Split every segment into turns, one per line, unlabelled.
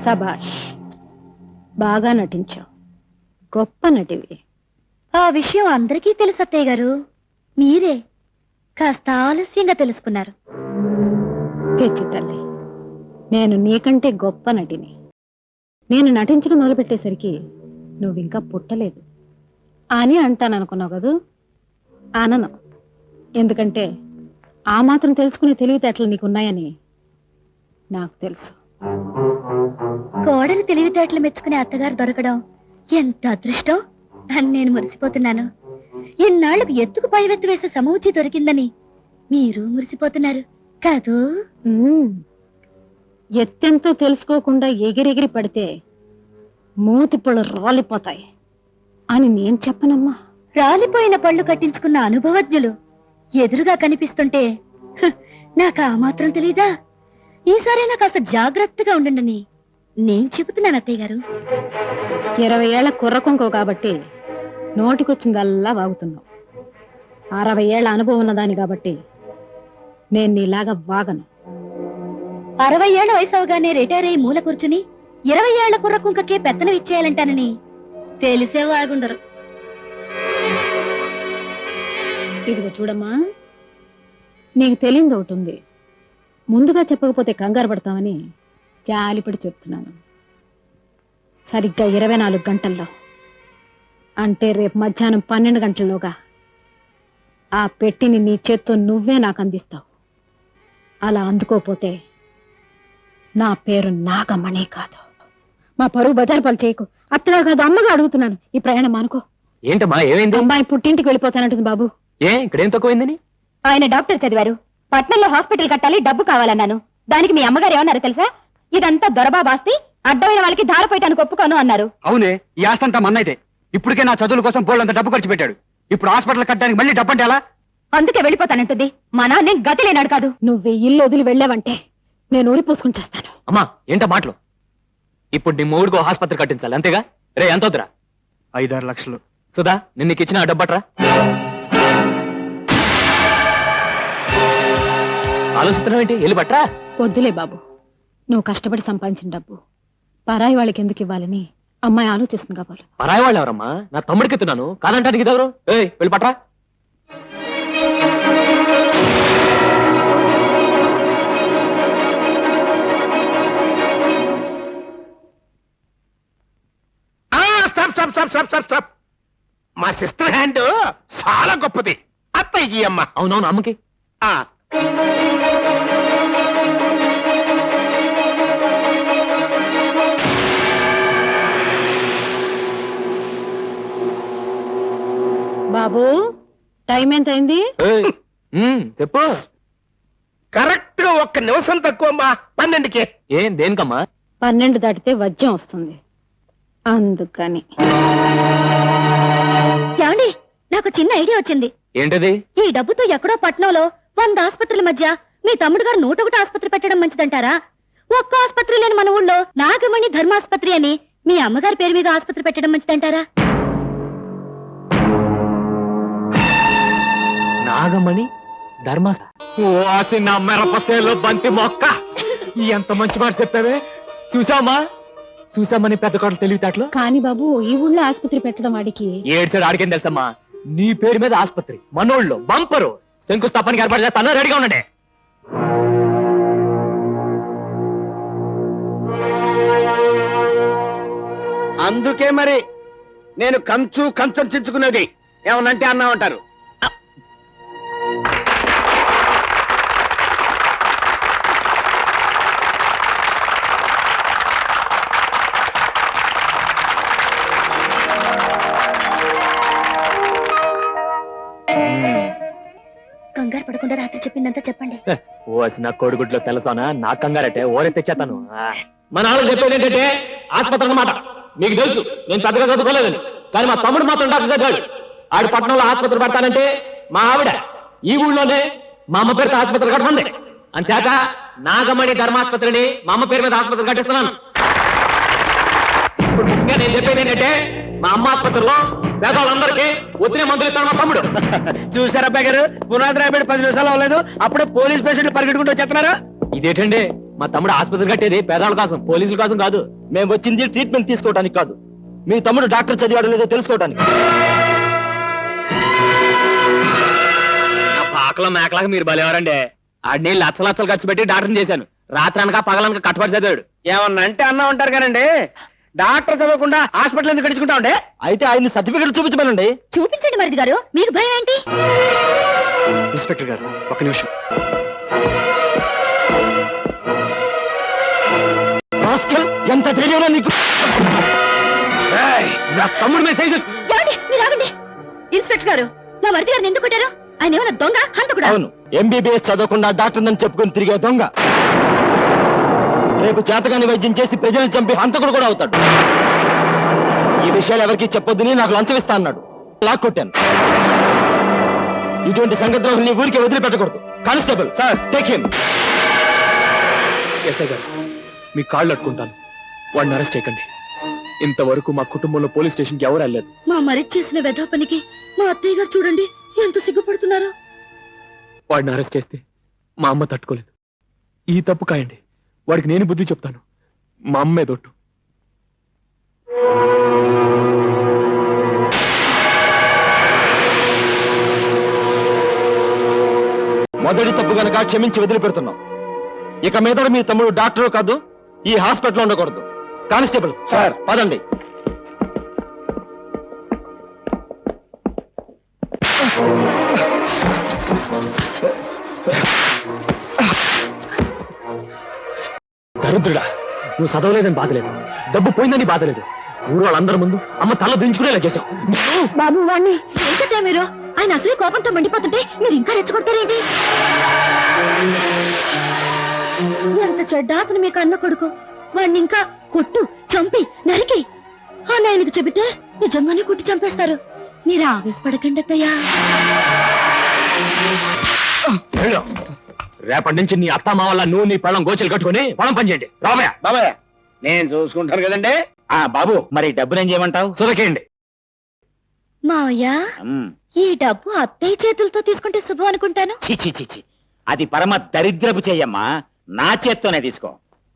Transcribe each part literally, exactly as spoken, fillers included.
సభాష్, బాగా నటించావు, గొప్ప నటివి.
ఆ విషయం అందరికీ తెలుసు అత్తయ్య గారు, మీరే కాస్త ఆలస్యంగా తెలుసుకున్నారు.
పిచ్చి తల్లి, నేను నీకంటే గొప్ప నటిని. నేను నటించడం మొదలుపెట్టేసరికి నువ్వింకా పుట్టలేదు అని అంటాను అనుకున్నావు కదూ? అనను. ఎందుకంటే ఆ మాత్రం తెలుసుకునే తెలివితేటలు నీకున్నాయని నాకు తెలుసు.
కోడలు తెలివితేటలు మెచ్చుకునే అత్తగారు దొరకడం ఎంత అదృష్టం అని నేను మురిసిపోతున్నాను. ఇన్నాళ్లకు ఎత్తుకు పైవెత్తు వేసే సమూచి దొరికిందని మీరు మురిసిపోతున్నారు కాదు?
ఎత్తెంతో తెలుసుకోకుండా ఎగిరెగిరి పడితే మూతి పళ్ళు రాలిపోతాయి అని నేను చెప్పనమ్మా.
రాలిపోయిన పళ్ళు కట్టించుకున్న అనుభవజ్ఞులు ఎదురుగా కనిపిస్తుంటే హ, నాకు ఆ మాత్రం తెలీదా? ఈసారైనా కాస్త జాగ్రత్తగా ఉండండి నేను చెబుతున్నాను అత్తయ్య గారు.
ఇరవై ఏళ్ల కుర్రకొంకో కాబట్టి నోటికొచ్చిందల్లా వాగుతున్నావు. అరవై ఏళ్ల అనుభవం ఉన్నదాని కాబట్టి నేను నీలాగా వాగను.
అరవై ఏళ్ల వయసు అవగానే రిటైర్ అయ్యి మూల కూర్చుని ఇరవై ఏళ్ల కుర్రకుంకకే పెత్తనం ఇచ్చేయాలంటానని తెలిసే వాగుండరు.
ఇదిగో చూడమ్మా, నీకు తెలియదు ఒకటి ఉంది. ముందుగా చెప్పకపోతే కంగారు పడతామని జాలిపడి చెప్తున్నాను. సరిగ్గా ఇరవై నాలుగు గంటల్లో అంటే రేపు మధ్యాహ్నం పన్నెండు గంటల్లోగా ఆ పెట్టిని నీ చేత్తో నువ్వే నాకు అందిస్తావు. అలా అందుకోపోతే నా పేరు నాగమణి కాదు. మా పరువు బజారు పాలు చేయకు. అత్తగా కాదు, అమ్మగా అడుగుతున్నాను. ఈ ప్రయాణం అనుకో.
ఏంటమ్మా, ఏమైంది?
అమ్మాయి పుట్టింటికి వెళ్ళిపోతానంటుంది బాబు.
ఏ ఇక్కడేం తక్కువైందని?
ఆయన డాక్టర్ చదివారు, పట్నంలో హాస్పిటల్ కట్టాలి, డబ్బు కావాలన్నాను. దానికి మీ అమ్మగారు ఏమన్నారు తెలుసా? ఇదంతా దొరబాబాస్తి, అడ్డమైన వాళ్ళకి ధారపోయటానికి ఒప్పుకోను అన్నారు.
అవునే, ఈ ఆస్తంతా మన్నైతే. ఇప్పటికే నా చదువుల కోసం బోళ్ళంత డబ్బు ఖర్చు పెట్టాడు. ఇప్పుడు హాస్పిటల్ కట్టడానికి మళ్ళీ డబ్బు అంటే ఎలా?
అందుకే వెళ్ళిపోతానంటుంది. మా నాన్న గతి లేనాడు కాదు.
నువ్వు ఈ ఇల్లు వదిలి వెళ్ళావంటే నేను ఊరి పూసుకుని చేస్తాను.
అమ్మా ఏంటో మాటలు? ఇప్పుడు నీ మూడుకో ఆసుపత్రి కట్టించాలి అంతేగా? రే ఎంత వద్దురా?
ఐదారు లక్షలు.
సుధా, నిన్న నీకు ఇచ్చిన డబ్బట్రా. ఆలోచిస్తున్నావు ఏంటి? వెళ్ళి పట్రా.
వద్దులే బాబు, నువ్వు కష్టపడి సంపాదించిన డబ్బు పరాయి వాళ్ళకి ఎందుకు ఇవ్వాలని అమ్మాయి ఆలోచిస్తుంది కాబోలు.
పరాయి వాళ్ళు ఎవరమ్మా? నా తమ్ముడికి ఎత్తున్నాను, కాదంటానికి ఇదెవరు? ఏయ్ వెళ్ళి పట్రా.
మా సిస్టర్ హ్యాండ్ చాలా గొప్పది. అత్తయ్యి అమ్మ.
అవునవును, అమ్మకి.
బాబు, టైం ఎంత అయింది?
చెప్పు.
కరెక్ట్ గా ఒక్క నిమిషం తక్కువ అమ్మా. పన్నెండుకి.
ఏం దేనికమ్మా?
పన్నెండు దాటితే వజ్యం వస్తుంది, అందుకని.
ఏమండి, నాకు చిన్న ఐడియా వచ్చింది.
ఏంటది?
ఈ డబ్బుతో ఎక్కడో పట్నంలో వంద ఆసుపత్రుల మధ్య మీ తమ్ముడు గారు నూట ఒకటి ఆసుపత్రి పెట్టడం మంచిదంటారా? ఒక్క ఆసుపత్రి లేని మన ఊళ్ళో నాగమణి ధర్మాసుపత్రి అని మీ అమ్మగారి పేరు మీద ఆసుపత్రి పెట్టడం మంచిదంటారా?
నాగమణి ధర్మ నా మిరపసేలో బంతి మొక్క. ఎంత మంచి మాట చెప్పావే. చూసామా చూసామని పెద్ద కోటలు తెలివితేటలు.
కానీ బాబు, ఈ ఊళ్ళో ఆసుపత్రి పెట్టడం వాడికి
ఏడ్చాడు. ఆడికేం తెలుసమ్మా? నీ పేరు మీద ఆసుపత్రి మనోళ్ళు బంపరు శంకుస్థాపనకి ఏర్పాటు చేస్తాను. రెడీగా ఉండండి.
అందుకే మరి నేను కంచు కంచం చించుకునేది. ఏమనంటే అన్నామంటారు.
కంగారు పడకుండా రాత్రి చెప్పిందంతా చెప్పండి.
ఓ నా కోడిగుడ్లో తెలుసానా? నా కంగారటే ఓరే తెచ్చేస్తాను. మా నాన్న చెప్పేది ఏంటంటే ఆసుపత్రి అన్నమాట. మీకు తెలుసు నేను పెద్దగా చదువుకోలేదని, కానీ మా తమ్ముడు మాత్రం డాక్టర్ చదివాడు. ఆడు పట్టణంలో ఆసుపత్రి పడతానంటే మా ఆవిడ ఈ ఊళ్ళోనే మా అమ్మ పేరుతో ఆసుపత్రి కట్టమంది. అంచేత నాగమణి ధర్మాసుపత్రిని మా అమ్మ పేరు మీద ఆసుపత్రి కట్టిస్తున్నాను. ఇప్పుడు ముఖ్యంగా నేను చెప్పేది ఏంటంటే మా అమ్మ ఆసుపత్రిలో పేదవాళ్ళందరికీ ఒత్తిడి మందులు ఇస్తాడు మా తమ్ముడు.
చూసారా అబ్బాయి గారు, పునాది రాబడి పది నిమిషాలు అవ్వలేదు, అప్పుడే పోలీస్ పేషెంట్లు పరిగెట్టుకుంటూ వచ్చేస్తున్నారు.
ఇదేంటండి మా తమ్ముడు ఆసుపత్రి కట్టేది పేదవాళ్ళ కోసం, పోలీసుల కోసం కాదు.
మేము వచ్చింది ట్రీట్మెంట్ తీసుకోవడానికి కాదు, మీ తమ్ముడు డాక్టర్ చదివాడో లేదో తెలుసుకోవడానికి.
పాకలో మేకలాగా మీరు బలేవారండి. ఆడిని లచ్చ లచ్చలు ఖర్చు పెట్టి డాక్టర్ని చేశాను. రాత్రి అనక పగలనక కట్టుబడి చదివాడు.
ఏమన్నా అంటే అన్నా ఉంటారు కానండి, డాక్టర్ చదవకుండా హాస్పిటల్ ఎందుకు గడుచుకుంటా ఉండే? అయితే ఆయన సర్టిఫికెట్ చూపించమనండి.
చూపించండి మరిది గారు, మీకు భయం ఏంటి?
ఇన్స్పెక్టర్ గారు ఒక నిమిషం.
రాస్కల్, ఎంత ధైర్యం నీకు!
ఏయ్, నా తమ్ముడు మీద సైజు.
ఏమండి, మీరు ఆగండి. ఇన్స్పెక్టర్ గారు, నా మరిది గారిని ఎందుకు కొట్టారు? ఆయన ఏమైనా దొంగ హంతకుడా?
అవును, ఎంబీబీఎస్ చదవకుండా డాక్టర్ నన్ను చెప్పుకొని తిరిగే దొంగ. రేపు చేతగాని వైద్యం చేసి ప్రజలను చంపి హంతకుడు కూడా అవుతాడు. ఈ విషయాలు ఎవరికి చెప్పొద్దని నాకు లంచం ఇస్తా అన్నాడు. లాక్ కొట్టాను. ఇటువంటి సంగద్రోహుల్ని ఊరికే వదిలిపెట్టకూడదు. Constable sir, take him.
SI గారు, మీ కాళ్ళు అట్టుకుంటాను, వాడిని అరెస్ట్ చేయకండి. ఇంతవరకు మా కుటుంబంలో పోలీస్ స్టేషన్కి ఎవరు వెళ్ళలేదు.
మా మరిది చేసిన వెధవ పనికి మా అత్తయ్య గారు చూడండి ఎంత సిగ్గుపడుతున్నారు.
వాడిని అరెస్ట్ చేస్తే మా అమ్మ తట్టుకోలేదు. ఈ తప్పు కాయండి, వాడికి నేను బుద్ధి చెప్తాను. మా అమ్మే దొట్టు.
మొదటి తప్పు గనక క్షమించి వదిలిపెడుతున్నాం. ఇక మీద మీ తమ్ముడు డాక్టర్ కాదు, ఈ హాస్పిటల్లో ఉండకూడదు. కానిస్టేబుల్ సార్, పదండి.
దరిద్రుడా, నువ్వు చదవలేదని బాధలేదు, డబ్బు పోయిందని బాధలేదు. ఊరు వాళ్ళందరి ముందు అమ్మ తల దించుకునేలా చేశావు.
బాబు వాణ్ణి ఏంటంటే మీరు? ఆయన అసలే కోపంతో మండిపోతుంటే మీరు ఇంకా రెచ్చగొడతారేంటి? ఎంత చెడ్డ అతను మీకు అన్న కొడుకు. వాణ్ణి ఇంకా కొట్టు, చంపి, నరికి అని ఆయనకు చెబితే నిజంగానే కొట్టి చంపేస్తారు. మీరు ఆవేశపడకండి అత్తయ్యా.
వెళ్ళు. రేపటి నుంచి నీ అత్త మా వల్ల నువ్వు నీ పళ్ళం గోచలు కట్టుకుని పొలం పనిచేయండి. రామయ్య,
బాబాయ్ నేను చూసుకుంటాను కదండి. ఆ బాబు, మరి డబ్బులు ఏం చేయమంటావు?
సురకేయండి.
మావయ్య, ఈ డబ్బు అత్తయ్య చేతులతో తీసుకుంటే శుభం అనుకుంటాను.
చిచి చిచి, అది పరమ దరిద్రపు చెయ్యమ్మా. నా చేత్తోనే తీసుకో.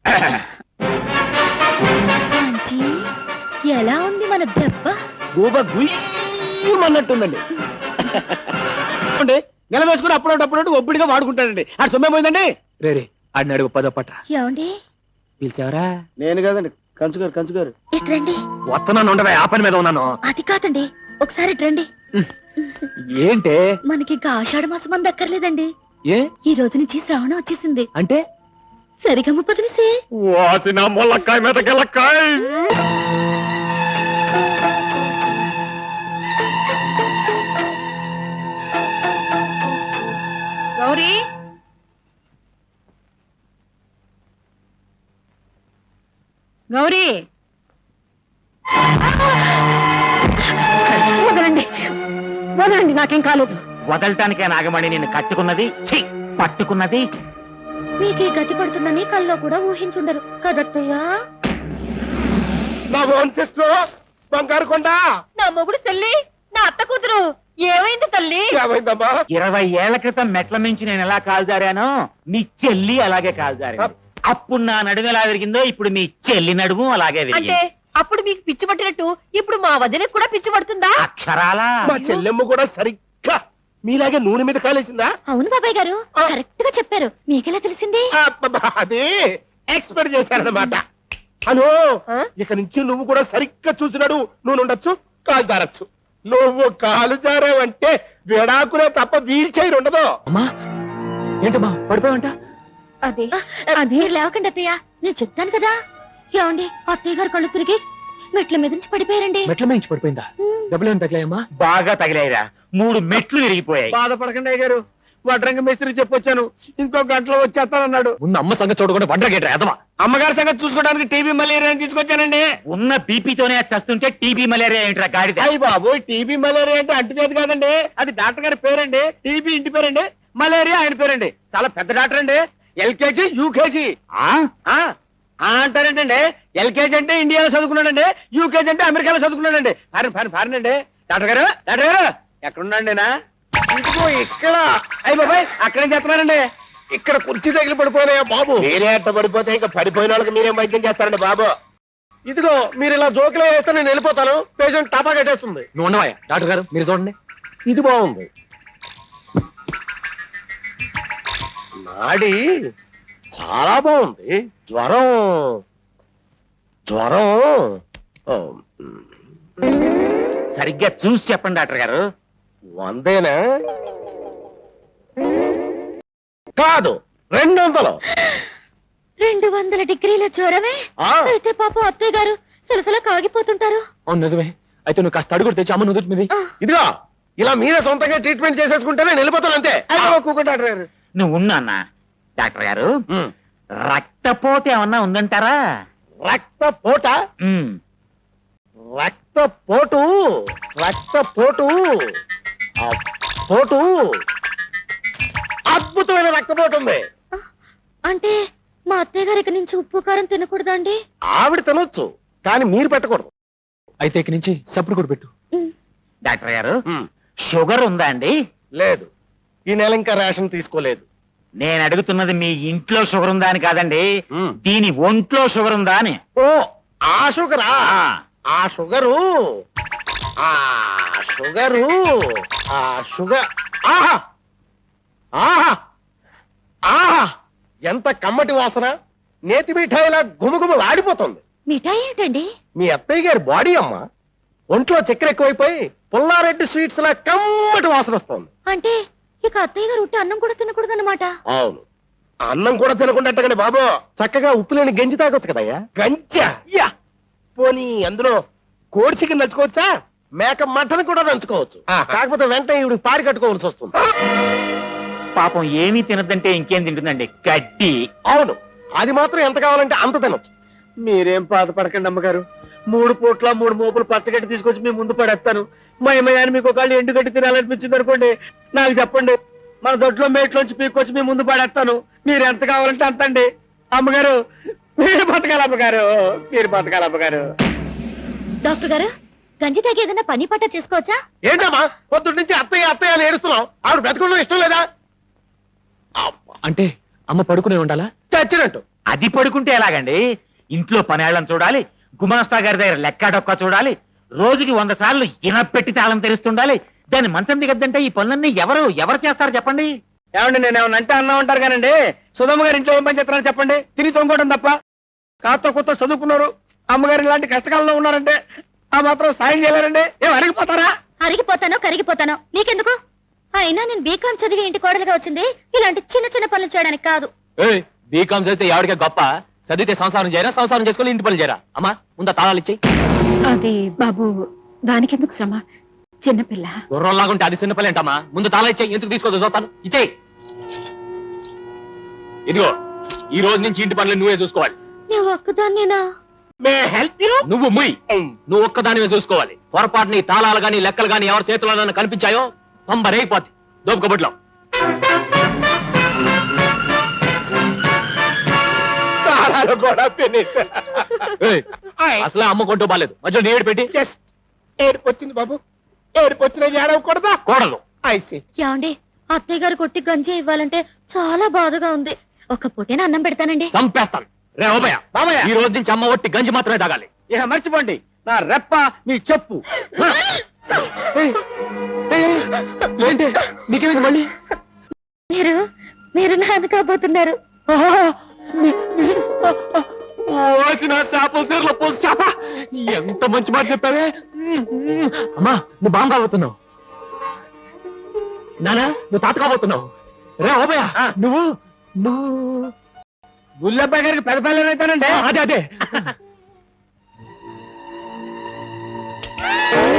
ఆంటీ, ఎలా ఉంది మన దెబ్బ?
గూబ గుయ్యమన్నట్టుందండి. నెల వేసుకుని అప్పుడప్పుడు ఒబ్బిడిగా వాడుకుంటాడండి. ఆ సొమ్మే పోయిందండి.
రే రే, ఆడిని అడుగు పదో పట్ట.
ఏమండి?
పిలిచావరా?
నేను కదండి, కంచుగారు కంచుగారు.
ఇట్రండి.
వస్తున్నాను, ఉండవే, ఆ పని మీద ఉన్నాను.
అది కాదండి, ఒకసారి రండి.
ఏంటే?
మనకి ఇంకా ఆషాఢ మాసం మంది అక్కర్లేదండి.
ఏ?
ఈ రోజు నుంచి శ్రావణం వచ్చేసింది.
అంటే
సరిగమ్మ పదిలిసే.
వాసిన మొల్లకాయ మీద గెలక్కాయ.
గౌరీ, గౌరీ, వదలండి, వదలండి, నాకేం కాలేదు.
వదలటానికే నాగమణి నిన్ను కట్టుకున్నది, ఛీ, పట్టుకున్నది.
మీకే గతి పడుతుందని కల్లో కూడా ఊహించుండరు కదత్తయ్యా.
నా ఓన్ సిస్టర్ బంగారు కొండ.
నా మొగుడు చెల్లి, నా అత్త కూతురు ఏమైంది తల్లి?
ఏమైందమ్మా?
ఇరవై ఏళ్ల క్రితం మెట్ల మించి నేను ఎలా కాల్జారానో మీ చెల్లి అలాగే కాల్జారింది. అప్పుడు నా నడుము ఎలా విరిగిందో ఇప్పుడు మీ చెల్లి నడుము అలాగే
అంటే
విరిగింది.
అప్పుడు మీకు పిచ్చి పట్టినట్టు ఇప్పుడు మా వదినకు కూడా పిచ్చి పడుతుందా?
అక్షరాలా
మా చెల్లెమ్మ కూడా సరిగ్గా మీలాగే నూనె మీద కాలేసిందా?
అవును బాబాయ్ గారు, కరెక్ట్ గా చెప్పారు. మీకెలా తెలిసింది?
అబ్బబ్బా, అది ఎక్స్పెక్ట్ చేశారన్నమాట. అను ఇక నుంచి నువ్వు కూడా సరిగ్గా చూసినాడు. నువ్వు ఉండొచ్చు, కాలు జారచ్చు. నువ్వు కాలు జారావంటే విడాకులే తప్ప వీల్ చైర్ ఉండదు.
అమ్మా, ఏంటమ్మా పడిపోయావంట?
అదే అదే లేవకండి అత్తయ్య, నేను చెప్తాను కదా. ఏమండి, అత్తయ్య గారు కళ్ళు తిరిగి మెట్ల మీద నుంచి పడిపోయారండి.
మెట్ల మేంచి పడిపోయిందా? డబ్బులు ఏమైనా తగిలాయమ్మా?
బాగా తగిలాయిరా, మూడు మెట్లు విరిగిపోయాయి.
బాధపడకండి అయ్య గారు, వడ్రంగ మేస్త్రి చెప్పొచ్చాను, ఇంకో గంటలో వచ్చేస్తానన్నాడు.
ముందు అమ్మ సంగతి చూడకుండా వండరగేట్రా ఎదవా.
అమ్మగారి సంగతి చూసుకోవడానికి టీబీ మలేరియా తీసుకొచ్చానండి.
ఉన్న బీపీతోనే చస్తుంటే టీబీ మలేరియా ఏంట్రా గాడిద?
అయ్యి బాబు, టీబీ మలేరియా అంటే అంటువ్యాధి కాదండి, అది డాక్టర్ గారి పేరండి. టీబీ ఇంటి పేరండి, మలేరియా ఆయన పేరండి. చాలా పెద్ద డాక్టర్ అండి. ఎల్కేజీ యూకేజీ
ఆ?
ఆ ఆ అంటారేంటండి? ఎల్కేజీ అంటే ఇండియాలో చదువుకున్నాడండి, యూకేజీ అంటే అమెరికాలో చదువుకున్నాడండి. ఫారిన్ ఫారిన్ ఫారిన్ అండి. డాక్టర్ గారు, డాక్టర్ గారు ఎక్కడున్నాండి? నా ఇంటికో ఇక్కడ. అయ్యి బాబాయ్, అక్కడేం చేస్తున్నారండి? ఇక్కడ కుర్చీ తగిలి పడిపోయినాయా బాబు? మీరే అట్ట పడిపోతే ఇంకా పడిపోయిన వాళ్ళకి మీరేం వైద్యం చేస్తారండి బాబు? ఇదిగో మీరు ఇలా జోకులో వేస్తే నేను వెళ్ళిపోతాను. పేషెంట్ టపా కట్టేస్తుంది.
నువ్వు ఉండవా డాక్టర్ గారు, మీరు చూడండి.
ఇది బాగుంది. నాడి చాలా బాగుంది. జ్వరం జ్వరం ఓ,
సరిగ్గా చూసి చెప్పండి డాక్టర్ గారు.
వందేనా? కాదు, రెండు వందలు.
రెండు వందల డిగ్రీల జ్వరమే?
ఆ.
అయితే పాపం అత్తయ్య గారు సలసల కాగిపోతుంటారు.
అవును నిజమే. అయితే నువ్వు కాస్త అడుగుడు తెచ్చి అమ్మ నుదుటి మీద.
ఇదిగో ఇలా మీరే సొంతంగా ట్రీట్మెంట్ చేసేసుకుంటే నేను వెళ్ళిపోతాను అంతే. డాక్టర్ గారు
నువ్వు ఉన్నా డాక్టర్ గారు, రక్తపోటు ఏమన్నా ఉందంటారా?
రక్త పోట
ఉమ్.
రక్త పోటు రక్త పోటు ఆ పోటు అద్భుతమైన రక్తపోటు ఉంది.
అంటే మా అత్తయ్య గారి ఇక నుంచి ఉప్పు కారం తినకూడదా అండి?
ఆవిడ తినొచ్చు, కానీ మీరు పెట్టకూడదు.
అయితే ఇక్కడి నుంచి సప్పుడు కూడా పెట్టు.
డాక్టర్ గారు, షుగర్ ఉందా అండి?
లేదు, ఈ నెల ఇంకా రేషన్ తీసుకోలేదు.
నేను అడుగుతున్నది మీ ఇంట్లో షుగర్ ఉందా అని కాదండి,
ఉమ్.
దీని ఒంట్లో షుగర్ ఉందా అని.
ఓ ఆ షుగరా? ఆ షుగరు ఆ షుగరు ఆ షుగర్ ఆహా ఆహా ఆహా ఎంత కమ్మటి వాసన! నేతి మిఠాయిలా గుమగుమలు ఆడిపోతుంది.
మిఠాయి ఏంటండి?
మీ అత్తయ్య గారి బాడీ అమ్మ. ఒంట్లో చక్కెర ఎక్కువైపోయి పుల్లారెడ్డి స్వీట్స్ లా కమ్మటి వాసన వస్తుంది.
అంటే ఇక అత్తయ్య గారు ఉట్టి అన్నం కూడా తినకూడదన్నమాట.
అవును, అన్నం కూడా తినకుండా బాబు చక్కగా ఉప్పు లేని గంజి తాగొచ్చు కదయ్యా. గంజా? యా. పోనీ అందులో కోడి చికెన్ నంచుకోవచ్చా? మేక మటన్ కూడా నంచుకోవచ్చు. కాకపోతే వెంటనే ఇవి పారి కట్టుకోవాల్సి వస్తుంది.
పాపం ఏమీ తినదంటే ఇంకేం తింటుందండి? గడ్డి.
అవును, అది మాత్రం ఎంత కావాలంటే అంత తినొచ్చు. మీరేం బాధపడకండి అమ్మగారు. మూడు పూట్ల మూడు మోపులు పచ్చగడ్డి తీసుకొచ్చి మీ ముందు పడేస్తాను. మా అమ్మగారిని మీకు ఒకళ్ళు ఎండుగడ్డి తినాలనిపించింది అనుకోండి, నాకు చెప్పండి. మన దొడ్లో మేట్లోంచి పీక్కొచ్చి మీ ముందు పడేస్తాను. మీరు ఎంత కావాలంటే అంత అండి. అమ్మగారు మీరు బతకాలి, అమ్మగారు మీరు బతకాలి అమ్మగారు.
డాక్టర్ గారు, గంజి తాగి ఏదైనా పని పట్ట చేసుకోవచ్చా?
ఏంటమ్మా పొద్దున్న నుంచి అత్తయ్య అత్తయ్య అని ఏడుస్తున్నావు? ఆవిడ బ్రతకడం ఇష్టం లేదా?
అంటే అమ్మ పడుకునే ఉండాలా?
చచ్చినట్టు.
అది పడుకుంటే ఎలాగండి? ఇంట్లో పనేళ్ళని చూడాలి, గుమాస్తా గారి దగ్గర లెక్క డొక్క చూడాలి, రోజుకి వంద సార్లు ఇనపెట్టి తాళం తెరుస్తుండాలి. దాన్ని మంచం దిగద్దంటే ఈ పనులన్నీ ఎవరు ఎవరు చేస్తారు చెప్పండి?
ఏమండి, నేను ఏమన్నా అంటే అన్నా ఉంటారు కానండి. సుధమ్మ గారి ఇంట్లో ఏం పని చేస్తారని చెప్పండి. తిని తొంగోవడం తప్ప. కాస్త కొత్త చదువుకున్నారు, అమ్మగారు ఇలాంటి కష్టకాలంలో ఉన్నారంటే ఆ మాత్రం సాయం చేయలేరండి. ఏం అరిగిపోతారా?
అరిగిపోతానో కరిగిపోతానో నీకెందుకు? అయినా నేను బీకాం చదివి ఇంటి కోడలుగా వచ్చింది ఇలాంటి చిన్న చిన్న పనులు చేయడానికి కాదు.
బీకామ్స్ అయితే ఎవడికే గొప్ప, చదివితే సంసారం చేయరా, సంసారం చేసుకుని ఇంటి పనులు చేయరా? అమ్మా ముందా తాళాలు ఇచ్చేయి.
అది బాబు, దానికెందుకు శ్రమ? చిన్నపిల్ల.
గుర్రంలాగుంటే అది చిన్నపిల్ల ఏంటమ్మా? ముందు తాళా ఇచ్చేయి. ఎందుకు తీసుకోదు చూస్తాను. ఇచ్చేయి. ఇదిగో ఈ రోజు నుంచి ఇంటి పనులు నువ్వే చూసుకోవాలి.
నువ్వు ఒక్కదాన్నేనా?
నువ్వు ముయ్ నువ్వు ఒక్కదానివే చూసుకోవాలి. పొరపాటు నీ తాళాలు గాని లెక్కలు గాని ఎవరి చేతిలో కనిపించాయో పంబరైపోద్ది. దోపుకబుట్లో అసలే అమ్మ కొంటూ బాలేదు, మధ్యలో నీ ఏడు పెట్టి.
జస్ట్ ఏడుపు వచ్చింది బాబు, ఏడుపు వచ్చిన ఏడవకూడదా?
కోడలు
ఐసి
ఏమండి, అత్తయ్య గారు కొట్టి గంజి ఇవ్వాలంటే చాలా బాధగా ఉంది. ఒక పూటేనా అన్నం పెడతానండి.
చంపేస్తాను. రే ఓబయ్య,
బాబయ్య,
ఈ రోజు నుంచి అమ్మ ఒట్టి గంజి మాత్రమే తాగాలి.
ఇక మర్చిపోండి, నా రెప్ప మీ చెప్పు.
ఏంటి నీకేమైంది మళ్ళీ?
మీరు మీరు నాన్న కాబోతున్నారు.
పోసిన చేపల చీరలో పోసి చేప, ఎంత మంచి మాట చెప్పావే. అమ్మా నువ్వు బాగా కాబోతున్నావు. నానా నువ్వు తాత కాబోతున్నావు. రే ఓబయ్య, నువ్వు నువ్వు
గుల్లబ్బాయి గారికి పెద్ద పిల్లలు అవుతానండి.
అదే అదే